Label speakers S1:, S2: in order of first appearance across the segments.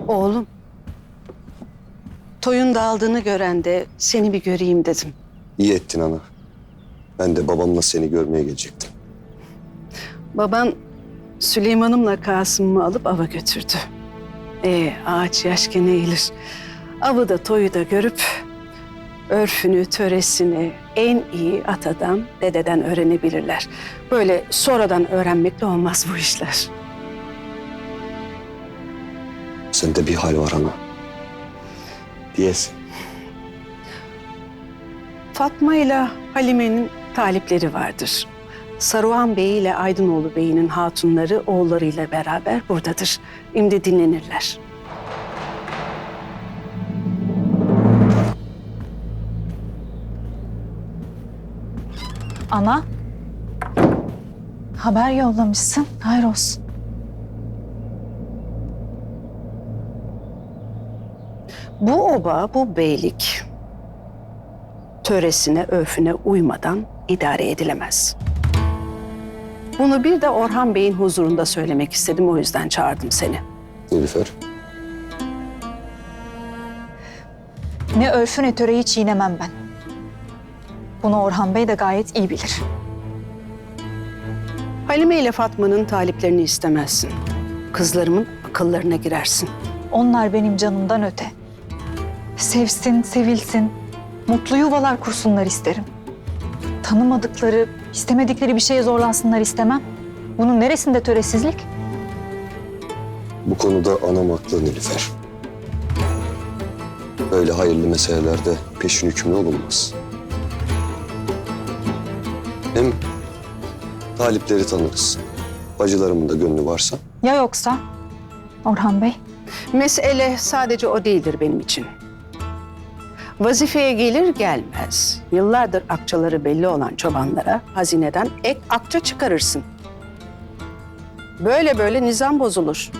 S1: Oğlum, toyun dağıldığını gören de seni bir göreyim dedim.
S2: İyi ettin ana. Ben de babamla seni görmeye gelecektim.
S1: Baban Süleyman'ımla Kasım'ımı alıp ava götürdü. Ağaç yaşken eğilir. Avı da toyu da görüp örfünü, töresini en iyi atadan, dededen öğrenebilirler. Böyle sonradan öğrenmekle olmaz bu işler.
S2: Sende bir hal var ana. Diyesin.
S1: Fatma ile Halime'nin talipleri vardır. Saruhan Bey ile Aydınoğlu Bey'in hatunları oğullarıyla beraber buradadır. Şimdi dinlenirler.
S3: Ana, haber yollamışsın. Hayır olsun.
S1: Bu oba, bu beylik töresine, örfüne uymadan idare edilemez. Bunu bir de Orhan Bey'in huzurunda söylemek istedim, o yüzden çağırdım seni.
S2: Nilüfer.
S3: Ne örfü ne töreyi çiğnemem ben. Bunu Orhan Bey de gayet iyi bilir.
S1: Halime ile Fatma'nın taliplerini istemezsin. Kızlarımın akıllarına girersin.
S3: Onlar benim canımdan öte. Sevsin, sevilsin, mutlu yuvalar kursunlar isterim. Tanımadıkları, istemedikleri bir şeye zorlansınlar istemem. Bunun neresinde töresizlik?
S2: Bu konuda anam haklı Nilüfer. Böyle hayırlı meselelerde peşin hükümlü olunmaz. Hem talipleri tanırız. Bacılarımın da gönlü varsa.
S3: Ya yoksa Orhan Bey?
S1: Mesele sadece o değildir benim için. Vazifeye gelir gelmez, yıllardır akçaları belli olan çobanlara hazineden ek akça çıkarırsın. Böyle böyle nizam bozulur.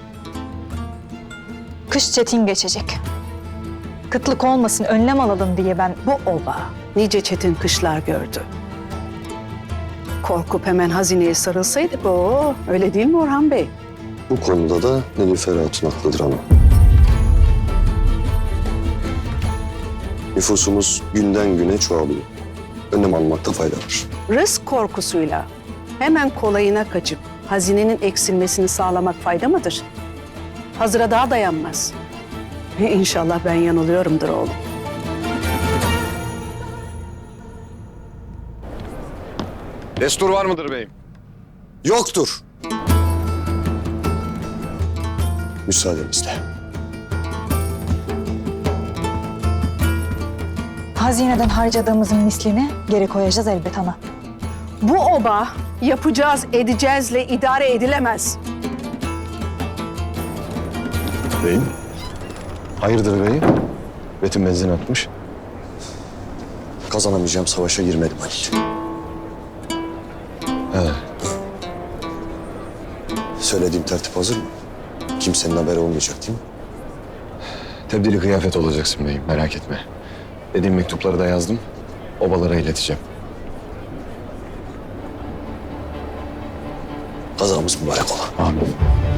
S3: Kış çetin geçecek. Kıtlık olmasın, önlem alalım diye ben...
S1: Bu oba nice çetin kışlar gördü. Korkup hemen hazineye sarılsaydık öyle değil mi Orhan Bey?
S2: Bu konuda da Nilüfer Hatun haklıdır ana. Nüfusumuz günden güne çoğalıyor. Önlem almakta fayda var.
S1: Rızk korkusuyla hemen kolayına kaçıp hazinenin eksilmesini sağlamak fayda mıdır? Hazıra daha dayanmaz. İnşallah ben yanılıyorumdur oğlum.
S4: Destur var mıdır beyim?
S2: Yoktur. Müsaadenizle.
S3: Hazineden harcadığımızın mislini geri koyacağız elbet ana.
S1: Bu oba yapacağız, edeceğizle idare edilemez.
S4: Beyim? Hayırdır beyim? Betim benzin atmış.
S2: Kazanamayacağım savaşa girmedim Halil.
S4: He.
S2: Söylediğim tertip hazır mı? Kimsenin haberi olmayacak değil mi?
S4: Tebdili kıyafet olacaksın beyim, merak etme. Dediğim mektupları da yazdım. Obalara ileteceğim.
S2: Kazamız mübarek ola.
S4: Amin.